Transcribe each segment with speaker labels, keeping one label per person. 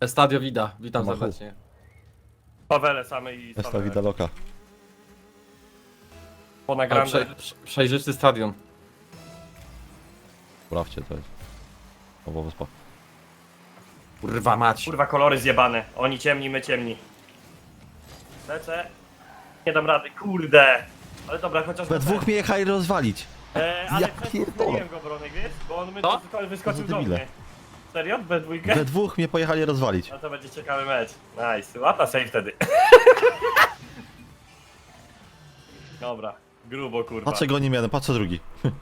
Speaker 1: Estadio Vida, witam
Speaker 2: Machu.
Speaker 1: serdecznie.
Speaker 3: Pawele same i
Speaker 2: Esta
Speaker 3: same.
Speaker 2: vida loca.
Speaker 3: Po
Speaker 1: Ale
Speaker 3: nagrande.
Speaker 1: przejrzysty stadion.
Speaker 2: Sprawdźcie to jest. Obo wyspa.
Speaker 1: Kurwa mać.
Speaker 3: Kurwa, kolory zjebane. Oni ciemni, my ciemni. Lecę. Nie dam rady, kurde. Ale dobra, chociaż...
Speaker 2: We dwóch mnie jechali rozwalić.
Speaker 3: Ale
Speaker 2: Ja
Speaker 3: przez to
Speaker 2: pierdolę.
Speaker 3: zmieniłem go, Bronek, wiesz? Bo on
Speaker 1: Co?
Speaker 3: wyskoczył
Speaker 2: To
Speaker 3: do
Speaker 2: debile.
Speaker 3: mnie. Serio? We dwójkę?
Speaker 2: We dwóch mnie pojechali rozwalić.
Speaker 3: No to będzie ciekawy mecz. Nice. Łapa save wtedy. Dobra. Grubo, kurwa.
Speaker 2: Patrzę go nie miałem, patrzę drugi.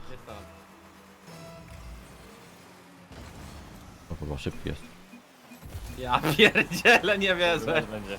Speaker 2: No kurwa, szybki jest.
Speaker 1: Ja pierdzielę, nie wierzę.
Speaker 3: Mecz będzie.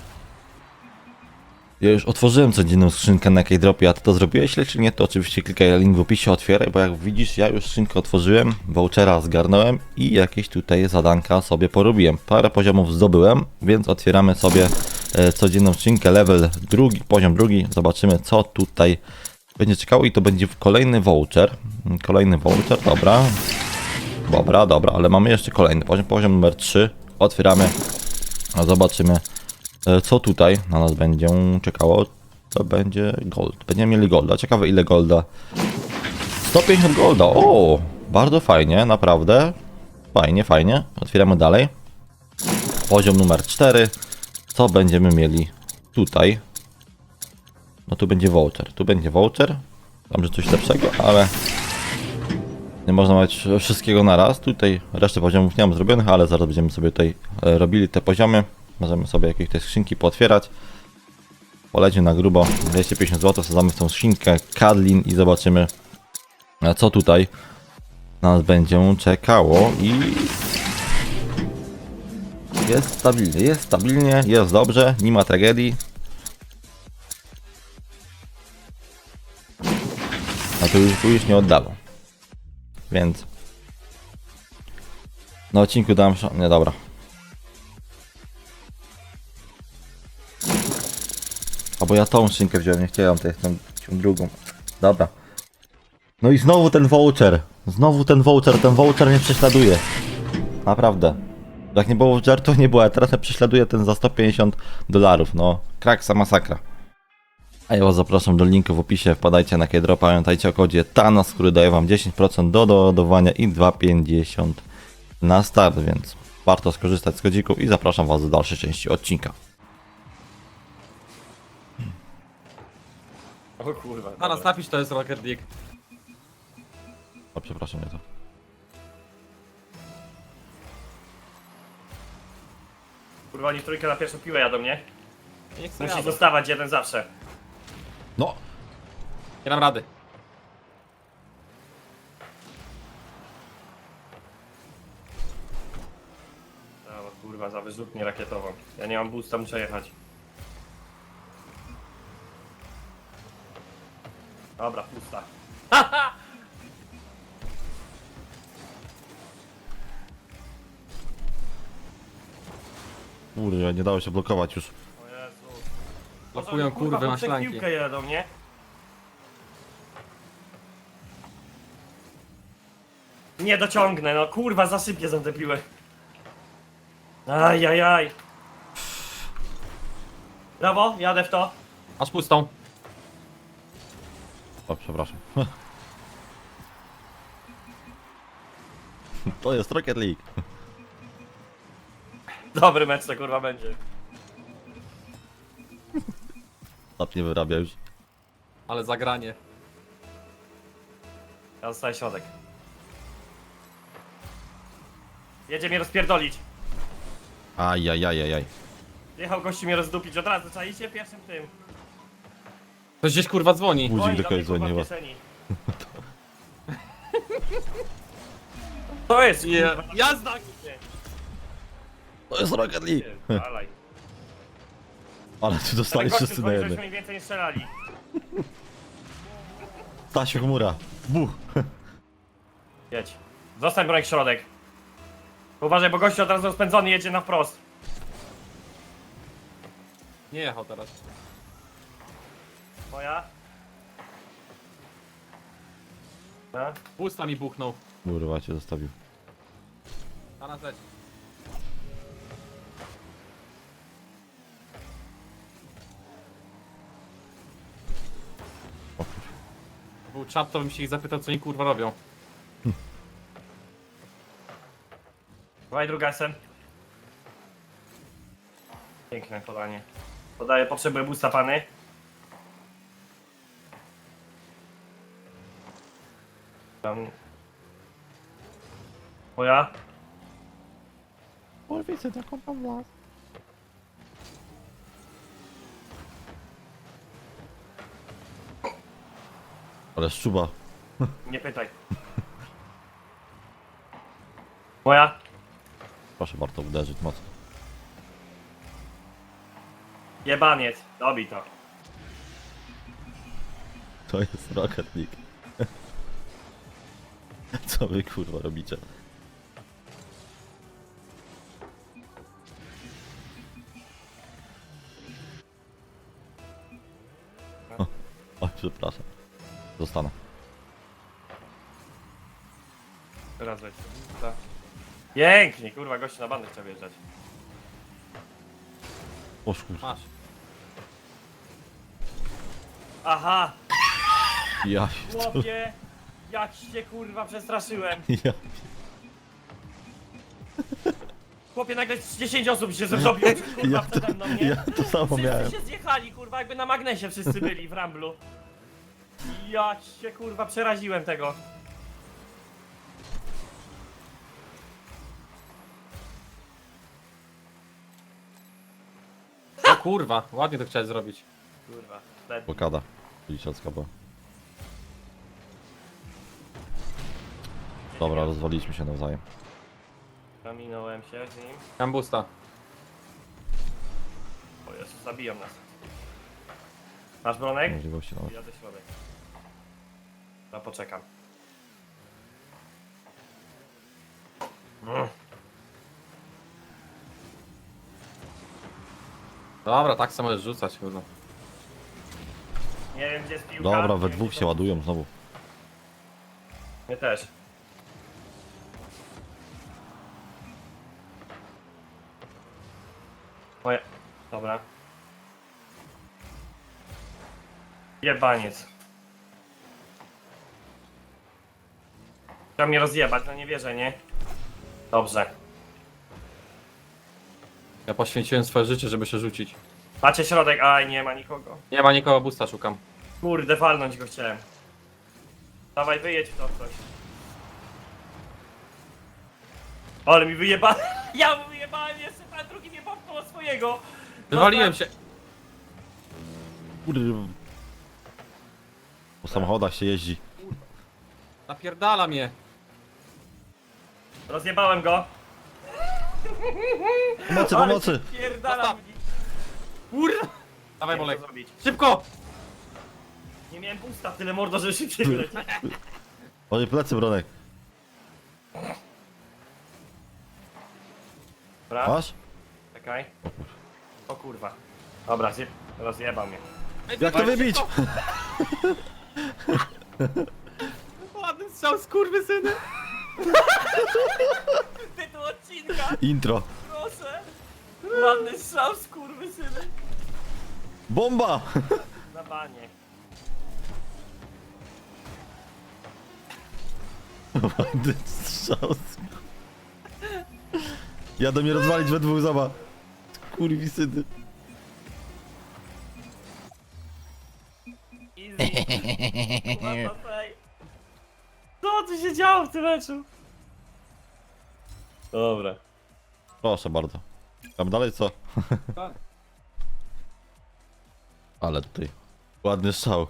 Speaker 2: Ja już otworzyłem codzienną skrzynkę na K-Dropie, a ty to zrobiłeś, czy nie? To oczywiście klikaj link w opisie, otwieraj, bo jak widzisz, ja już skrzynkę otworzyłem, vouchera zgarnąłem i jakieś tutaj zadanka sobie porobiłem. Parę poziomów zdobyłem, więc otwieramy sobie codzienną skrzynkę, level drugi, poziom drugi. Zobaczymy, co tutaj będzie czekało i to będzie kolejny voucher. Kolejny voucher, dobra. Dobra, ale mamy jeszcze kolejny poziom numer 3. Otwieramy, a zobaczymy, co tutaj na nas będzie czekało. To będzie gold. Będziemy mieli golda. Ciekawe ile golda. 150 golda. O, bardzo fajnie, naprawdę. Fajnie. Otwieramy dalej. Poziom numer 4. Co będziemy mieli tutaj? No tu będzie voucher. Tam, że coś lepszego, ale nie można mieć wszystkiego na raz. Tutaj resztę poziomów nie mam zrobionych, ale zaraz będziemy sobie tutaj robili te poziomy. Możemy sobie jakieś te skrzynki pootwierać. Polecił na grubo 250 zł, wsadzamy w tą skrzynkę Kadlin i zobaczymy, co tutaj nas będzie czekało. I jest stabilnie, jest dobrze, nie ma tragedii. A tu już nie oddało. Więc na odcinku dam nie, dobra. Albo ja tą skrzynkę wziąłem, nie chciałem tej, tą drugą. Dobra. No i znowu ten voucher. Ten voucher mnie prześladuje. Naprawdę. Jak nie było voucher, to nie było, a teraz mnie prześladuje ten za 150 dolarów. No, kraksa masakra. A ja was zapraszam do linku w opisie, wpadajcie na K-Dropa, pamiętajcie o kodzie TANAS, który daje wam 10% do doładowania i 2,50 na start, więc warto skorzystać z kodziku i zapraszam was do dalszej części odcinka.
Speaker 3: O kurwa.
Speaker 1: Na nas
Speaker 3: dobra.
Speaker 1: napisz, to jest Rocket League.
Speaker 2: O, przepraszam, nie to.
Speaker 3: Kurwa, oni w trójkę na pierwszą piłę jadą, nie?
Speaker 1: Nie chcę
Speaker 3: Musi
Speaker 1: jadę.
Speaker 3: zostawać jeden zawsze.
Speaker 2: No!
Speaker 1: Nie dam rady.
Speaker 3: Dobra, kurwa, za wyrzutnię rakietową. Ja nie mam boosta, muszę jechać. Dobra, pusta.
Speaker 2: Kurde, nie dało się blokować już.
Speaker 3: O Jezu.
Speaker 1: Blokują kurwy
Speaker 3: po
Speaker 1: na
Speaker 3: trzech
Speaker 1: szlanki.
Speaker 3: piłkę jadą, nie? Nie dociągnę, no kurwa, zasypię za tę piłę. Ajajaj. Brawo, jadę w to.
Speaker 1: Aż pustą.
Speaker 2: O, przepraszam. To jest Rocket League.
Speaker 3: Dobry mecz to kurwa będzie.
Speaker 2: Tap nie wyrabia już.
Speaker 1: Ale zagranie.
Speaker 3: Ja dostaję środek. Jedzie mnie rozpierdolić.
Speaker 2: Ajajajajaj.
Speaker 3: Jechał gości mnie rozdupić od razu, czaicie? Pierwszym tym.
Speaker 1: Ktoś gdzieś kurwa dzwoni.
Speaker 2: Budzik
Speaker 3: Oni
Speaker 2: do
Speaker 3: do
Speaker 2: kogoś
Speaker 3: mnie, kurwa,
Speaker 2: dzwoni
Speaker 3: w
Speaker 2: chyba.
Speaker 3: kieszeni. To jest
Speaker 1: Je-
Speaker 3: kurwa.
Speaker 1: Jazda!
Speaker 2: To jest Rocket League.
Speaker 3: Dalej.
Speaker 2: Ale tu dostali wszyscy na jednym.
Speaker 3: żeśmy im więcej nie strzelali.
Speaker 2: Stasiu chmura. Buch.
Speaker 3: Jedź. Zostań broń środek. Uważaj, bo gościu od razu rozpędzony jedzie na wprost.
Speaker 1: Nie jechał teraz.
Speaker 3: Moja. No.
Speaker 1: Pusta mi buchnął.
Speaker 2: Kurwa cię zostawił.
Speaker 1: Na nas leci. Był czat, to bym się ich zapytał, co oni kurwa robią.
Speaker 3: Dawaj druga SM. Piękne podanie. Podaję, potrzebuję boosta pany. Tam. Moja.
Speaker 2: Widzę taką tam las. Ale szczuba.
Speaker 3: Nie pytaj. Moja.
Speaker 2: Proszę bardzo uderzyć mocno.
Speaker 3: Jebaniec. Dobij to.
Speaker 2: To jest Rocket League. Co wy kurwa robicie? Oj, przepraszam. Zostanę.
Speaker 3: Teraz weź. Tak. Pięknie, kurwa, gościu na bandę chciał wjeżdżać.
Speaker 2: O kurwa.
Speaker 1: Masz.
Speaker 3: Aha!
Speaker 2: Ja
Speaker 3: Chłopie! Jak się kurwa przestraszyłem!
Speaker 2: Ja.
Speaker 3: Chłopie, nagle 10 osób się zrobiło, kurwa,
Speaker 2: Ja
Speaker 3: przede mną, nie?
Speaker 2: Ja to samo
Speaker 3: Wszyscy
Speaker 2: miałem.
Speaker 3: się zjechali, kurwa, jakby na magnesie wszyscy byli w Ramblu. Ja się kurwa przeraziłem tego.
Speaker 1: O kurwa, ładnie to chciałeś zrobić.
Speaker 3: Kurwa, wtedy.
Speaker 2: Blokada. Liczacka była. Dobra, rozwaliliśmy się nawzajem.
Speaker 3: Zaminąłem się z nim.
Speaker 1: Mam boosta.
Speaker 3: O Jezu, zabiją nas. Masz bronek?
Speaker 2: Możliwości nawet.
Speaker 3: Jadę środek. No poczekam.
Speaker 1: Dobra, tak samo możesz rzucać, kurwa.
Speaker 3: Nie wiem gdzie jest piłka.
Speaker 2: Dobra,
Speaker 3: nie
Speaker 2: we
Speaker 3: wiem,
Speaker 2: dwóch
Speaker 3: gdzie
Speaker 2: się
Speaker 3: to-
Speaker 2: ładują znowu.
Speaker 3: Mnie też. Moje. Dobra. Jebaniec. Chciał mnie rozjebać, no nie wierzę, nie? Dobrze.
Speaker 1: Ja poświęciłem swoje życie, żeby się rzucić.
Speaker 3: Macie środek, aj nie ma nikogo.
Speaker 1: Nie ma nikogo, boosta szukam.
Speaker 3: Kurde, walnąć go chciałem. Dawaj, wyjedź w to coś. Ale mi wyjebałem. Ja mu wyjebałem jeszcze, a drugi mnie popchnął swojego.
Speaker 1: Wywaliłem się.
Speaker 2: Kurde. Po samochodach się jeździ.
Speaker 1: Napierdala mnie.
Speaker 3: Rozjebałem go.
Speaker 2: Pomocy,
Speaker 3: Ale
Speaker 2: pomocy!
Speaker 3: Pierdalam.
Speaker 1: Zostaw. Kurwa. Dawaj,
Speaker 3: Nie wiem,
Speaker 1: Bolek.
Speaker 3: co zrobić.
Speaker 1: Szybko!
Speaker 3: Nie miałem pusta, tyle mordo, że szybciej wyleci.
Speaker 2: Oj, plecy, Bronek.
Speaker 3: Dobra,
Speaker 2: Masz?
Speaker 3: czekaj. O kurwa. Dobra, rozjebał mnie.
Speaker 2: Jak to wybić?
Speaker 1: Ładny strzał, skurwysyny.
Speaker 3: Tytuł odcinka,
Speaker 2: Intro.
Speaker 3: proszę. Ładny strzał, skurwysyny.
Speaker 2: Bomba!
Speaker 3: Na banie.
Speaker 2: Ładny strzał. Jadą mnie rozwalić we dwóch, zobacz. Kurwisyny.
Speaker 3: Easy. What the fuck? Co tu się działo w tym meczu? Dobra.
Speaker 2: Proszę bardzo. Tam dalej co?
Speaker 1: Tak.
Speaker 2: Ale tutaj. Ładny strzał.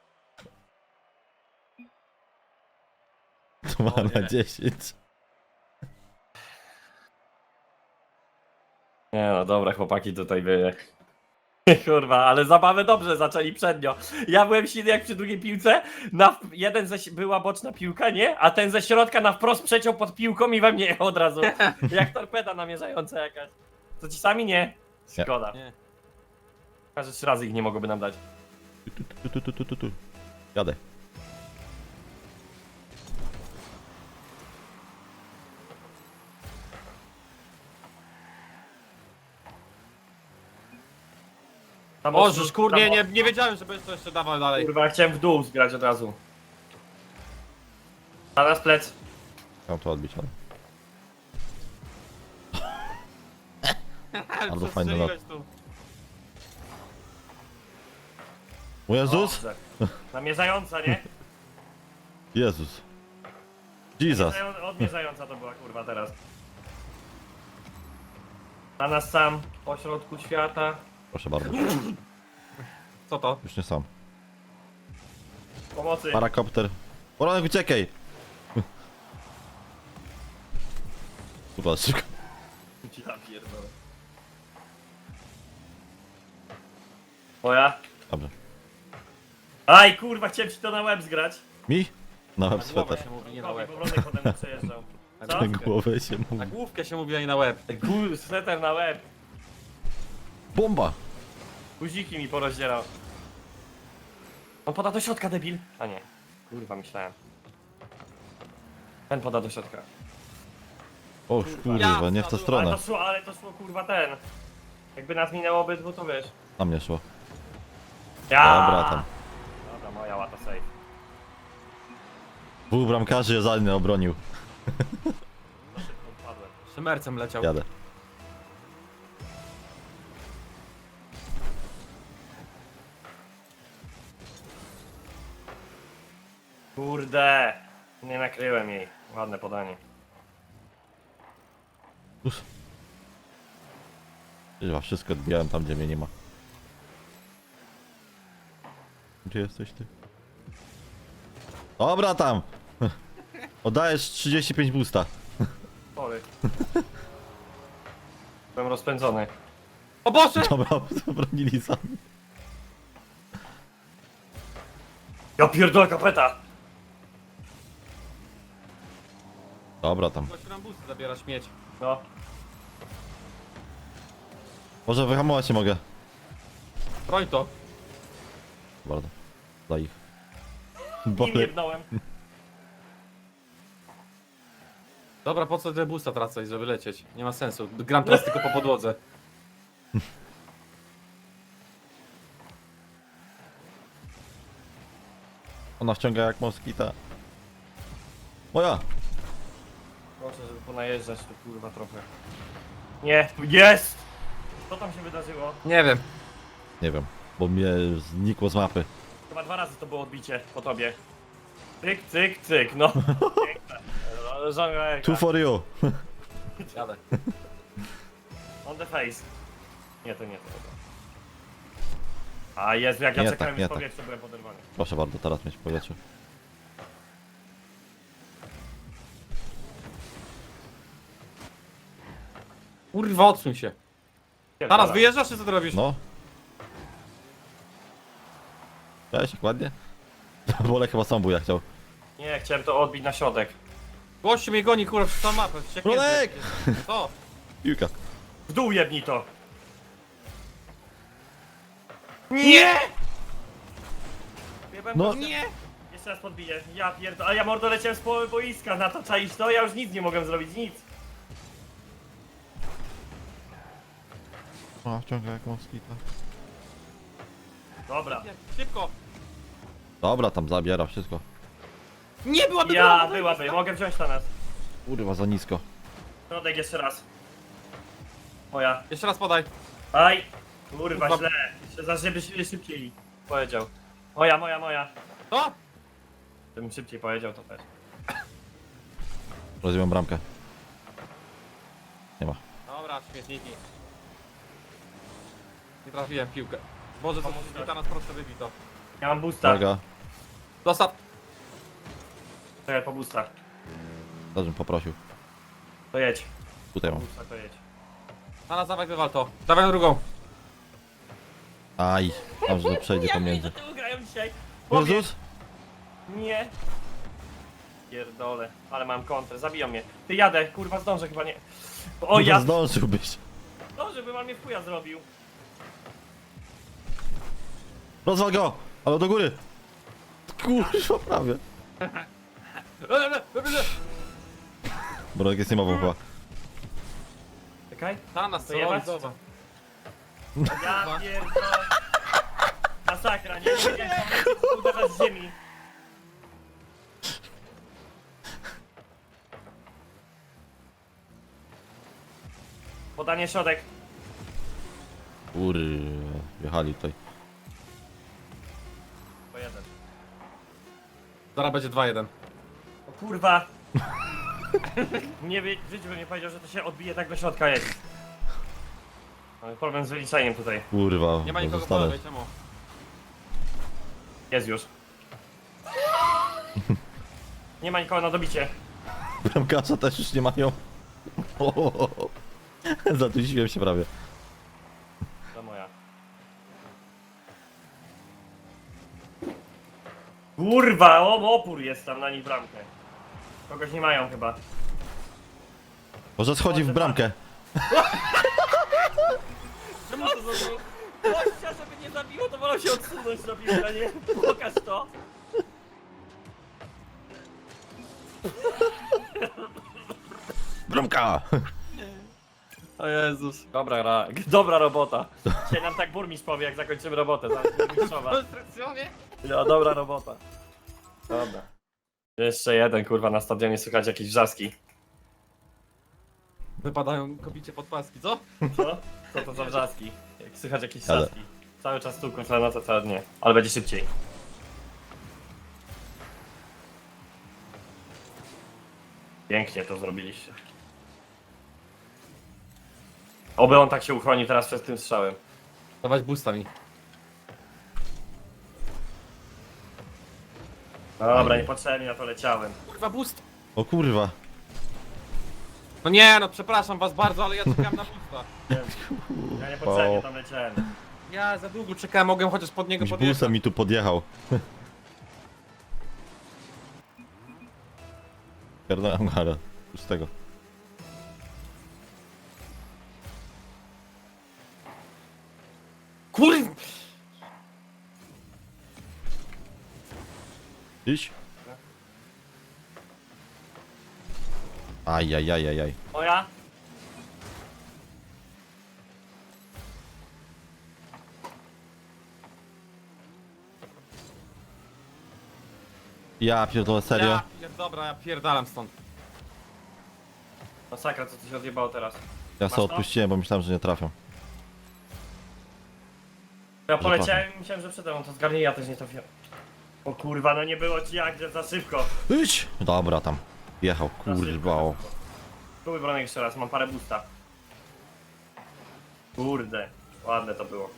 Speaker 2: 2 na 10.
Speaker 3: Nie no, dobra, chłopaki tutaj były. Kurwa, ale zabawę dobrze zaczęli przednio. Ja byłem silny jak przy drugiej piłce, była boczna piłka, nie? A ten ze środka na wprost przeciął pod piłką i we mnie od razu. Jak torpeda namierzająca jakaś. To ci sami nie? Szkoda.
Speaker 1: Nie.
Speaker 3: Każdy 3 razy ich nie mogłoby nam dać.
Speaker 2: Tu. Jadę.
Speaker 3: Tam
Speaker 1: O,
Speaker 3: ostro-
Speaker 1: żeż kur,
Speaker 3: tam
Speaker 1: nie wiedziałem, że będziesz to jeszcze dawał dalej.
Speaker 3: Kurwa, chciałem w dół zgrać od razu. A nas plec.
Speaker 2: Chciałem to odbić, ale... Bardzo fajny lot.
Speaker 1: Przestrzeliłeś tu.
Speaker 2: O Jezus!
Speaker 3: Dobrze. Namierzająca, nie?
Speaker 2: Jezus! Jesus!
Speaker 3: Odmierzająca to była kurwa teraz. Na nas sam, po środku świata.
Speaker 2: Proszę bardzo.
Speaker 1: Co to?
Speaker 2: Już nie sam.
Speaker 3: Pomocy.
Speaker 2: Parakopter. Poronek, uciekaj! Super, szybko.
Speaker 3: Ja pierdolę. Moja?
Speaker 2: Dobrze.
Speaker 3: Aj kurwa, chciałem ci to na łeb zgrać.
Speaker 2: Mi? Na
Speaker 1: Na
Speaker 2: łeb
Speaker 1: głowę
Speaker 2: sweter.
Speaker 1: się mówi, nie na
Speaker 3: Kobi,
Speaker 1: łeb.
Speaker 3: bo Wronek potem przejeżdżał. Co?
Speaker 2: Na głowę się
Speaker 1: Na
Speaker 2: mówi.
Speaker 1: główkę się mówi, a nie na łeb.
Speaker 3: Sweter na łeb.
Speaker 2: Bomba!
Speaker 3: Guziki mi porozdzierał. On poda do środka, debil. A nie. Kurwa, myślałem. Ten poda do środka.
Speaker 2: O kurwa, nie w tę
Speaker 1: Ale
Speaker 2: stronę.
Speaker 3: Ale to szło kurwa ten. Jakby nas minęło obydwu, to wiesz.
Speaker 2: Na mnie szło.
Speaker 3: Ja!
Speaker 2: Dobra, tam.
Speaker 3: Dobra, moja łata safe.
Speaker 2: Dwóch bramkarzy Zalny obronił.
Speaker 3: Za szybko odpadłem.
Speaker 1: Szymercem leciał.
Speaker 2: Jadę.
Speaker 3: Kurde! Nie nakryłem jej. Ładne podanie.
Speaker 2: Us. Chyba wszystko odbijałem tam, gdzie mnie nie ma. Gdzie jesteś ty? Dobra tam! Oddajesz 35 boosta.
Speaker 3: Sorry. Byłem rozpędzony.
Speaker 1: O Boże!
Speaker 2: Dobra, zabronili sami.
Speaker 3: Ja pierdolę kapeta!
Speaker 2: Dobra tam.
Speaker 1: Gość rambusy zabiera śmieć.
Speaker 3: No.
Speaker 2: Może wyhamować się mogę.
Speaker 1: Broń to.
Speaker 2: Bardzo. Dla ich.
Speaker 3: Nim
Speaker 2: Bolek.
Speaker 3: jebnąłem.
Speaker 1: Dobra, po co te busta tracać, żeby lecieć? Nie ma sensu. Gram teraz tylko po podłodze.
Speaker 2: Ona wciąga jak moskita. Moja!
Speaker 3: Proszę, żeby ponajeżdżać tu kurwa trochę. Nie, jest! Co tam się wydarzyło?
Speaker 1: Nie wiem.
Speaker 2: Nie wiem, bo mnie znikło z mapy.
Speaker 3: Chyba 2 razy to było odbicie po tobie. Cyk, cyk, cyk, no. Piękne. Żonglera.
Speaker 2: Two for you!
Speaker 1: Jadę.
Speaker 3: On the face. Nie, to nie to. A Jezu, jak ja
Speaker 2: Nie
Speaker 3: czekałem
Speaker 2: tak, nie
Speaker 3: w
Speaker 2: tak.
Speaker 3: powietrzu, byłem poderwany.
Speaker 2: Proszę bardzo, teraz mieć w powietrzu.
Speaker 1: Kurwa, odsuń się. Teraz wyjeżdżasz, czy co ty robisz?
Speaker 2: No. Cześć, jak ładnie? Bolek chyba sam buja chciał.
Speaker 3: Nie, chciałem to odbić na środek.
Speaker 1: Gościu mnie goni, kurwa, przez całą mapę. wścieknięty.
Speaker 2: Bronek!
Speaker 1: Co?
Speaker 2: Piłka.
Speaker 3: W dół jebnij to!
Speaker 1: Nie!
Speaker 2: No.
Speaker 1: Nie!
Speaker 3: Jeszcze raz podbiję. Ja pierdolę, a ja mordo leciałem z połowy boiska, na to czaisz to? Ja już nic nie mogłem zrobić, nic.
Speaker 2: A, wciąga jak moskita.
Speaker 3: Dobra.
Speaker 1: Nie, szybko!
Speaker 2: Dobra, tam zabiera wszystko.
Speaker 1: Nie byłaby
Speaker 3: Ja,
Speaker 1: brama,
Speaker 3: byłaby, mogę wziąć na nas.
Speaker 2: Kurwa, za nisko.
Speaker 3: Środek jeszcze raz. Moja.
Speaker 1: Jeszcze raz podaj.
Speaker 3: Aj! Kurwa,
Speaker 1: Kurwa.
Speaker 3: źle. Jeszcze za żeby się szybciej powiedział. Moja.
Speaker 1: To?
Speaker 3: Gdybym szybciej powiedział, to też.
Speaker 2: Rozumiem bramkę. Nie ma.
Speaker 1: Dobra, śmietniki. Nie trafiłem w piłkę. Boże, co
Speaker 3: Pomóż
Speaker 1: się ta nas prosto wybij to.
Speaker 3: Ja mam boosta.
Speaker 2: Uwaga.
Speaker 1: Dostaw.
Speaker 3: Czekaj, po boosta.
Speaker 2: Dobrze bym poprosił.
Speaker 3: To jedź.
Speaker 2: Tutaj
Speaker 3: Po
Speaker 2: mam.
Speaker 3: boosta to jedź.
Speaker 1: Na nas dawaj, wywal to. Dawaj na drugą.
Speaker 2: Aj. Tam, że przejdzie pomiędzy.
Speaker 3: Tyłu grają dzisiaj.
Speaker 2: Jezus!
Speaker 3: Nie. Pierdolę, ale mam kontrę, zabiją mnie. Ty jadę, kurwa zdążę chyba nie. O ja
Speaker 2: Zdążyłbyś.
Speaker 3: zdążę, by mam mnie w chuja zrobił.
Speaker 2: Rozwal go! Ale do góry! Kurwa, prawie. Bolek jest niemową chyba.
Speaker 3: Czekaj.
Speaker 1: Na nas,
Speaker 3: To
Speaker 1: co
Speaker 3: jebać?
Speaker 1: robić? Zobacz.
Speaker 3: Ja pierdolę. Masakra, nie wiedziałem, uderzyć z ziemi. Podanie środek.
Speaker 2: Wjechali tutaj.
Speaker 3: Po jeden.
Speaker 1: Zaraz będzie 2-1.
Speaker 3: O kurwa. Nie wie, w życiu bym nie powiedział, że to się odbije tak do środka jest. Mamy problem z wyliczeniem tutaj.
Speaker 2: Kurwa,
Speaker 1: Nie ma nikogo po
Speaker 2: zostanę.
Speaker 1: lewej, czemu?
Speaker 3: Jest już. Nie ma nikogo na dobicie.
Speaker 2: Bramkarza też już nie mają. Zadusiłem się prawie.
Speaker 3: To moja. Kurwa, opór jest tam na nich bramkę. Kogoś nie mają chyba.
Speaker 2: Może schodzi w bramkę.
Speaker 3: Czemu to zrobił? Gościa, żeby nie zabiło, to wolał się odsunąć na piłkę, a nie? Pokaż to.
Speaker 2: Bramka!
Speaker 1: O Jezus.
Speaker 3: Dobra robota. Dzisiaj nam tak burmistrz powie, jak zakończymy robotę. Zaraz burmistrzowa. No, dobra robota. Dobra. Jeszcze jeden, kurwa, na stadionie słychać jakieś wrzaski.
Speaker 1: Wypadają kobicie pod paski, co?
Speaker 3: Co? Co to za wrzaski? Jak słychać jakieś
Speaker 2: Ale-
Speaker 3: wrzaski. Cały czas tu, kurwa, na to całe dnie. Ale będzie szybciej. Pięknie to zrobiliście. Oby on tak się uchronił teraz przed tym strzałem.
Speaker 1: Dawać boosta mi.
Speaker 3: Dobra, niepotrzebnie na to leciałem.
Speaker 1: Kurwa, boost!
Speaker 2: O kurwa.
Speaker 1: No nie, no przepraszam was bardzo, ale ja czekałem na boosta.
Speaker 3: Ja niepotrzebnie tam leciałem.
Speaker 1: Ja za długo czekałem, mogłem chociaż pod niego
Speaker 2: Jakimś
Speaker 1: podjechać.
Speaker 2: busem mi tu podjechał. Pierdolę gara. Już z tego.
Speaker 1: Kur...
Speaker 2: Iść. Ajajajajaj.
Speaker 3: Moja?
Speaker 2: Ja pierdolę, serio?
Speaker 1: Dobra, ja pierdalam stąd.
Speaker 3: Masakra, co tu się odjebało teraz.
Speaker 2: Ja
Speaker 3: Masz
Speaker 2: sobie
Speaker 3: to?
Speaker 2: odpuściłem, bo myślałem, że nie trafią.
Speaker 3: Ja poleciałem i myślałem, że przede mną to zgarnie, ja też nie trafiłem. O kurwa, no nie było ci jak, że za szybko.
Speaker 2: Idź! Dobra, tam. Jechał,
Speaker 3: Za szybko,
Speaker 2: kurwa. o.
Speaker 3: za szybko. Spróbuj bronek jeszcze raz, mam parę boosta. Kurde, ładne to było.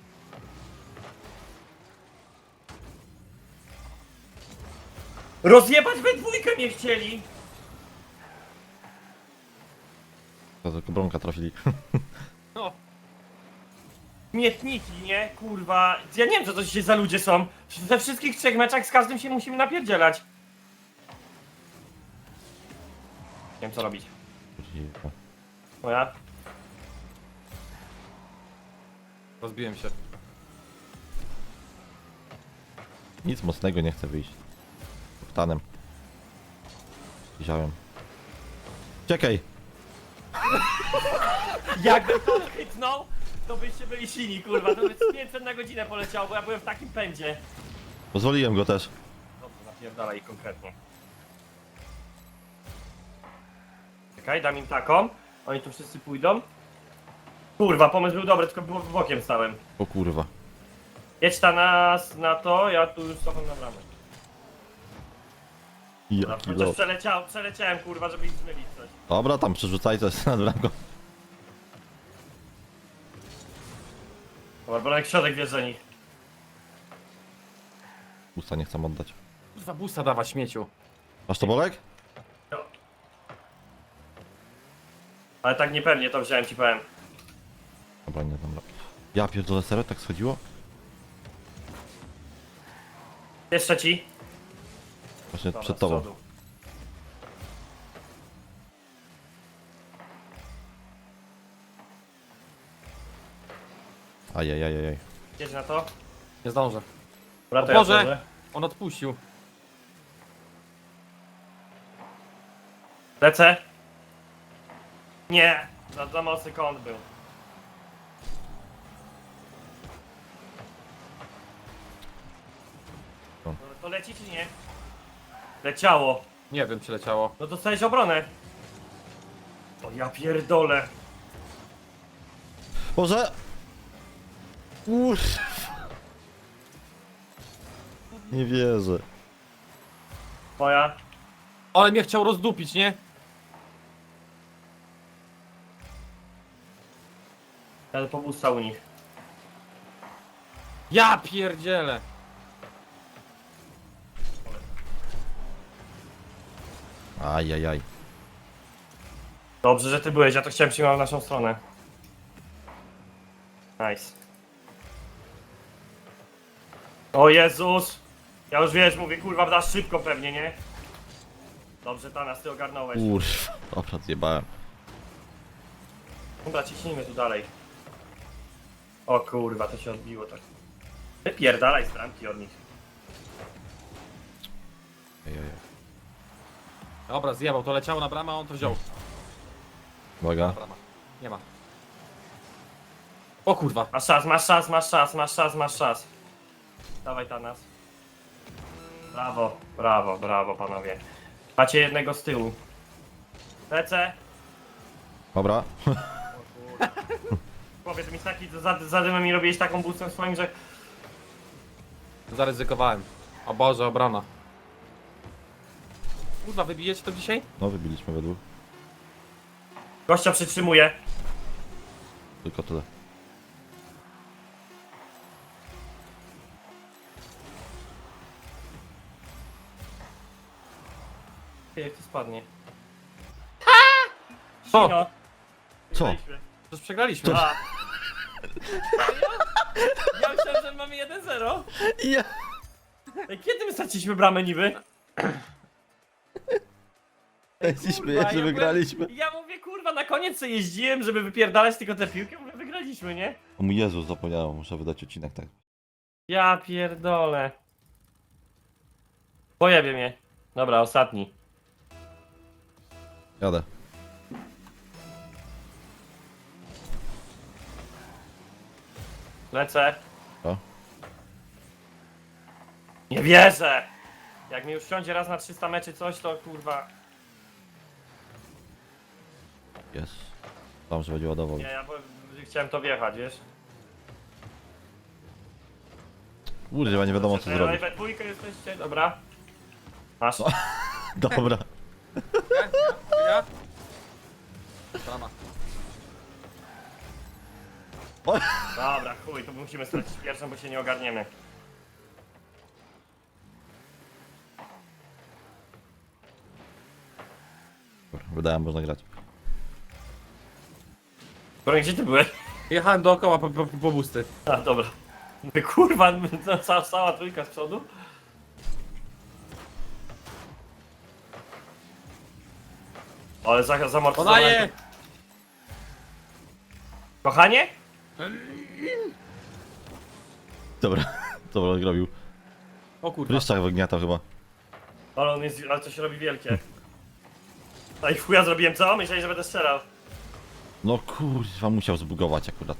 Speaker 3: Rozjebać we dwójkę nie chcieli!
Speaker 2: To tylko bronka trafili.
Speaker 1: No,
Speaker 3: Śmietniki, nie? Kurwa. Ja nie wiem, co to dzisiaj za ludzie są. We wszystkich trzech meczach z każdym się musimy napierdzielać. Nie wiem, co robić. Moja?
Speaker 1: rozbiłem się.
Speaker 2: Nic mocnego nie chce wyjść. Ptanem. Wziąłem. Czekaj!
Speaker 3: Jakby to chytnął, to byście byli silni, kurwa. To by z 500 na godzinę poleciało, bo ja byłem w takim pędzie.
Speaker 2: Pozwoliłem go też.
Speaker 3: Dobrze, napierdalaj ich konkretnie. Czekaj, dam im taką. Oni tu wszyscy pójdą. Kurwa, pomysł był dobry, tylko było bokiem stałem.
Speaker 2: O kurwa.
Speaker 3: Jedź ta nas na to, ja tu już cofam na bramę.
Speaker 2: Jaki
Speaker 3: Chociaż
Speaker 2: lot.
Speaker 3: przeleciałem, kurwa, żeby ich zmylić coś.
Speaker 2: Dobra, tam przerzucaj coś nad bramką.
Speaker 3: Dobra, bo jak środek wiesz za nich.
Speaker 2: Usta nie chcę oddać.
Speaker 1: Kurwa, boosta dawać śmieciu.
Speaker 2: Masz to bolek?
Speaker 3: No. Ale tak niepewnie to wziąłem, ci powiem.
Speaker 2: Dobra, nie, dobra. Ja pierdolę, serio? Tak schodziło?
Speaker 3: Jest trzeci.
Speaker 2: Właśnie
Speaker 3: Dobra,
Speaker 2: przed
Speaker 3: z
Speaker 2: tobą.
Speaker 3: przodu.
Speaker 2: Ajajajajaj.
Speaker 3: Jedź na to.
Speaker 1: Nie zdążę.
Speaker 3: Dobra, to
Speaker 1: O
Speaker 3: ja
Speaker 1: Boże!
Speaker 3: wchodzę.
Speaker 1: On odpuścił.
Speaker 3: Lecę. Nie! Za mocny kąt był.
Speaker 2: No.
Speaker 3: To leci czy nie? Leciało.
Speaker 1: Nie wiem, czy leciało.
Speaker 3: No dostałeś obronę. O ja pierdolę.
Speaker 2: Boże! Nie wierzę.
Speaker 3: Moja.
Speaker 1: Ale mnie chciał rozdupić, nie?
Speaker 3: Jadę po busta u nich.
Speaker 1: Ja pierdzielę.
Speaker 2: Ajajaj.
Speaker 3: Dobrze, że ty byłeś, ja to chciałem przyjmować w naszą stronę. Nice. O Jezus! Ja już wiesz, mówię, kurwa, dasz szybko pewnie, nie? Dobrze, Tanas, ty ogarnąłeś.
Speaker 2: Kurwa. Dobra, zjebałem.
Speaker 3: Dobra, ciśnijmy tu dalej. O kurwa, to się odbiło tak. Wypierdalaj z bramki od nich.
Speaker 2: Ejejej.
Speaker 1: Dobra, zjebał, to leciało na bramę, a on to wziął.
Speaker 2: Uwaga.
Speaker 1: Brama. Nie ma. O kurwa.
Speaker 3: Masz czas, masz czas, masz czas, masz czas, masz czas. Dawaj Tanas. Brawo, brawo, brawo panowie. Macie jednego z tyłu. Lecę.
Speaker 2: Dobra.
Speaker 3: O kurwa. Powiedz mi taki, za dymem mi robiłeś taką boostem swoim, że...
Speaker 1: Zaryzykowałem. O Boże, obrona. Kurwa, wybijecie to dzisiaj?
Speaker 2: No wybiliśmy według.
Speaker 3: Gościa przytrzymuje.
Speaker 2: Tylko tyle.
Speaker 3: Jak to spadnie.
Speaker 1: Co?
Speaker 3: No.
Speaker 2: Co?
Speaker 3: Wygraliśmy.
Speaker 1: Przecież przegraliśmy.
Speaker 3: A. Ja myślałem, że mamy 1-0.
Speaker 2: Ja.
Speaker 3: Ej, kiedy my straciliśmy bramę niby?
Speaker 2: Jeździliśmy,
Speaker 3: Kurwa,
Speaker 2: jeszcze wygraliśmy.
Speaker 3: Ja mówię, kurwa, na koniec sobie jeździłem, żeby wypierdalać tylko tę piłkę, mówię, wygraliśmy, nie?
Speaker 2: O mój Jezu, zapomniałem, muszę wydać odcinek, tak.
Speaker 3: Ja pierdolę. Pojebie mnie. Dobra, ostatni.
Speaker 2: Jadę.
Speaker 3: Lecę.
Speaker 2: O.
Speaker 3: Nie wierzę! Jak mi już wsiądzie raz na 300 meczy coś, to kurwa...
Speaker 2: Jest. Tam, że będzie ładował.
Speaker 3: Nie, ja chciałem to wjechać, wiesz?
Speaker 2: Kurwa, nie wiadomo co zrobić.
Speaker 3: We dwójkę jesteście, dobra. Masz.
Speaker 2: Dobra.
Speaker 1: Ja? Brama.
Speaker 3: Dobra, chuj, to musimy stracić pierwszą, bo się nie ogarniemy.
Speaker 2: Wydałem, można grać.
Speaker 3: Broń, gdzie ty byłeś?
Speaker 1: Jechałem dookoła po busty.
Speaker 3: A, dobra. Mówię, kurwa, cała trójka z przodu? Ale zamortyzowałem.
Speaker 1: Podaję!
Speaker 3: Kochanie?
Speaker 2: Dobra. Dobra, zrobił.
Speaker 1: O kurwa.
Speaker 2: Pryszczak wygniatał chyba.
Speaker 3: Ale on jest, ale to się robi wielkie. A i w chuja zrobiłem co? Myślałeś, że będę strzelał.
Speaker 2: No kurwa, musiał zbugować akurat.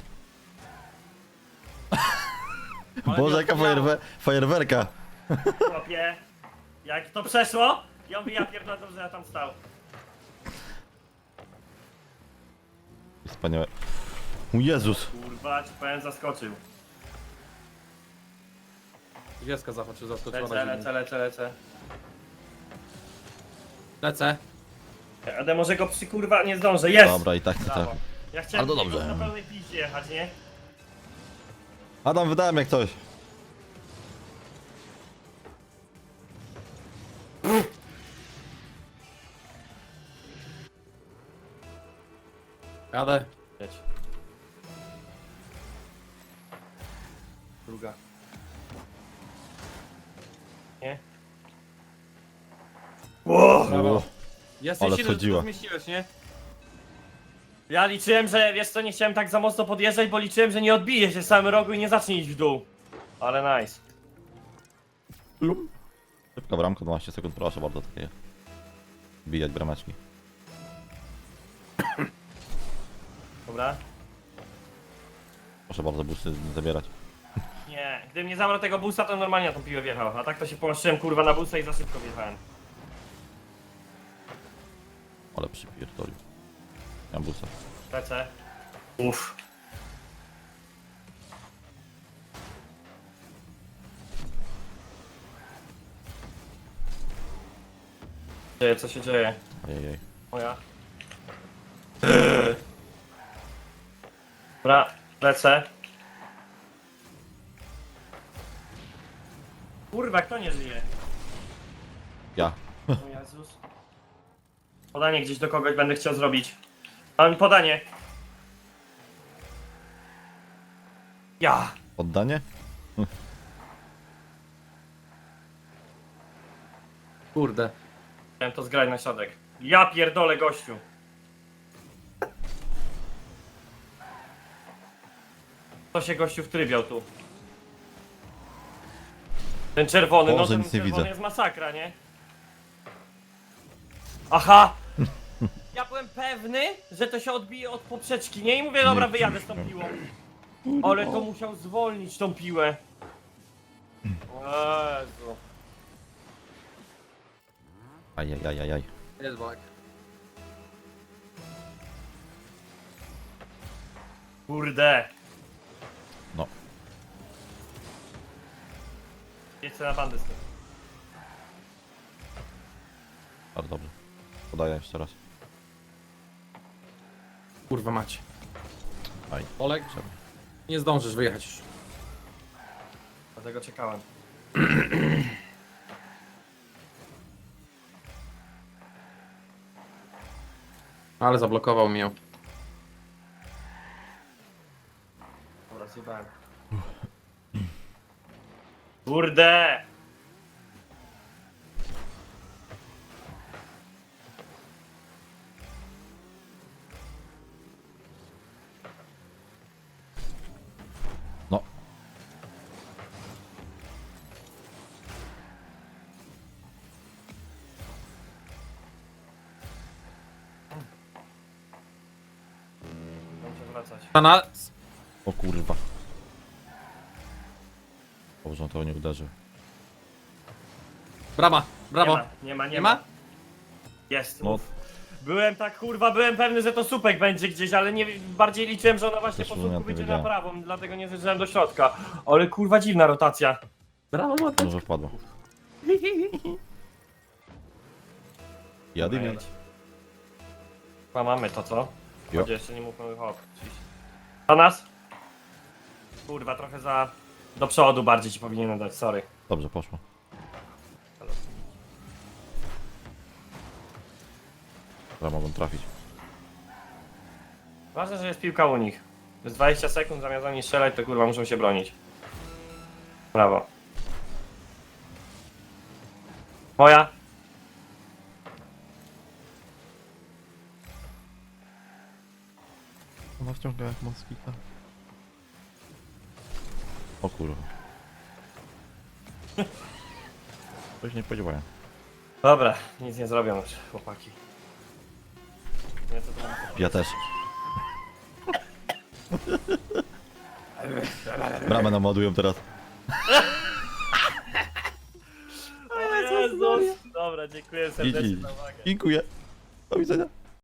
Speaker 1: Ale
Speaker 2: Boże,
Speaker 1: nie
Speaker 2: jaka
Speaker 1: odpowiedziało.
Speaker 2: fajerwerka.
Speaker 3: Chłopie, jak to przeszło? Ja mówię, ja pierdolę, że ja tam stał.
Speaker 2: Wspaniałe. Mój Jezus.
Speaker 3: Kurwa, ci powiem, zaskoczył.
Speaker 1: Wieska zachoczy, zaskoczyła
Speaker 3: Lecę,
Speaker 1: na
Speaker 3: lecę,
Speaker 1: ziemię.
Speaker 3: lecę, lecę.
Speaker 1: Lecę.
Speaker 3: Ale może go kurwa nie zdążę, jest!
Speaker 2: Dobra, i tak to
Speaker 3: Brawo.
Speaker 2: tak.
Speaker 3: Ja chciałem
Speaker 2: Bardzo
Speaker 3: tylko
Speaker 2: dobrze.
Speaker 3: na pełnej piździe jechać, nie?
Speaker 2: Adam, wydałem jak coś.
Speaker 1: Jadę.
Speaker 3: Jedź.
Speaker 1: Druga.
Speaker 3: Nie? Ło!
Speaker 1: Brawo. Jesteś
Speaker 2: Ale
Speaker 1: silny, że ty
Speaker 2: wchodziła.
Speaker 1: to zmieściłeś, nie?
Speaker 3: Ja liczyłem, że wiesz co, nie chciałem tak za mocno podjeżdżać, bo liczyłem, że nie odbije się z samym rogu i nie zacznie iść w dół. Ale nice.
Speaker 2: Szybka bramka, 12 sekund, proszę bardzo, takie. Bijać brameczki.
Speaker 3: Dobra?
Speaker 2: Proszę bardzo, busy zabierać.
Speaker 3: Nie, gdybym nie zabrał tego busa, to normalnie na tą piłę wjechał. A tak to się połączyłem kurwa na busa i za szybko wjechałem.
Speaker 2: Ale przypierdolił. Miałem busa.
Speaker 3: Lecę. Uff. Co się dzieje?
Speaker 2: Ojej.
Speaker 3: Moja. Dobra, lecę. Kurwa, kto nie żyje?
Speaker 2: Ja.
Speaker 3: O Jezus. Podanie gdzieś do kogoś będę chciał zrobić. Mam podanie. Ja.
Speaker 2: Oddanie?
Speaker 1: Kurde.
Speaker 3: Chciałem to zgrać na środek. Ja pierdolę, gościu. To się gościu wtrybiał tu. Ten czerwony,
Speaker 2: Boże,
Speaker 3: no ten
Speaker 2: nic nie
Speaker 3: czerwony
Speaker 2: widzę.
Speaker 3: jest masakra, nie? Aha! Ja byłem pewny, że to się odbije od poprzeczki, nie? I mówię, dobra,
Speaker 2: Nie.
Speaker 3: wyjadę z tą piłą. Ale to musiał zwolnić tą piłę. Jezu.
Speaker 2: Ajajajajaj.
Speaker 1: Jest bak.
Speaker 3: Kurde.
Speaker 2: No.
Speaker 3: Jedźcie na bandę z tym.
Speaker 2: Bardzo dobrze. Podaję jeszcze raz.
Speaker 1: Kurwa macie.
Speaker 2: Aj.
Speaker 1: Olek, nie zdążysz wyjechać już.
Speaker 3: Dlatego czekałem.
Speaker 1: Ale zablokował mnie.
Speaker 3: Dobra, zjebałem. Kurde!
Speaker 2: No.
Speaker 3: Muszę wracać.
Speaker 1: Pana...
Speaker 2: O kurwa. Dobrze, on to nie uderzył.
Speaker 1: Brama, brawo.
Speaker 3: Nie ma.
Speaker 1: ma?
Speaker 3: Jest.
Speaker 2: No.
Speaker 3: Uf. Byłem tak, kurwa, byłem pewny, że to słupek będzie gdzieś, ale nie, bardziej liczyłem, że ona właśnie
Speaker 2: Też
Speaker 3: po
Speaker 2: bym ja
Speaker 3: słupku
Speaker 2: to
Speaker 3: wyjdzie na
Speaker 2: wiedziałem.
Speaker 3: prawą, dlatego nie zjeżdżałem do środka. Ale kurwa, dziwna rotacja.
Speaker 1: Brawo, Matek.
Speaker 2: Może wpadło. Jadymy.
Speaker 3: Chyba mamy to, co?
Speaker 2: Jo.
Speaker 3: Chodź, jeszcze nie mówmy hop. A nas? Kurwa, trochę za... Do przodu bardziej ci powinienem dać, sorry.
Speaker 2: Dobrze, poszło. Dobra, mogą trafić.
Speaker 3: Ważne, że jest piłka u nich. Jest 20 sekund, zamiast oni strzelać, to kurwa muszą się bronić. Brawo. Moja.
Speaker 2: Ona wciąga jak moskita. O kurwa. Coś nie spodziewałem.
Speaker 3: Dobra, nic nie zrobią już, chłopaki. Nie, co to mam?
Speaker 2: Ja też. Bramę nam ładują teraz.
Speaker 3: O Jezus! Dobra, dziękuję serdecznie
Speaker 2: GG.
Speaker 3: za uwagę.
Speaker 2: Dziękuję. Do widzenia.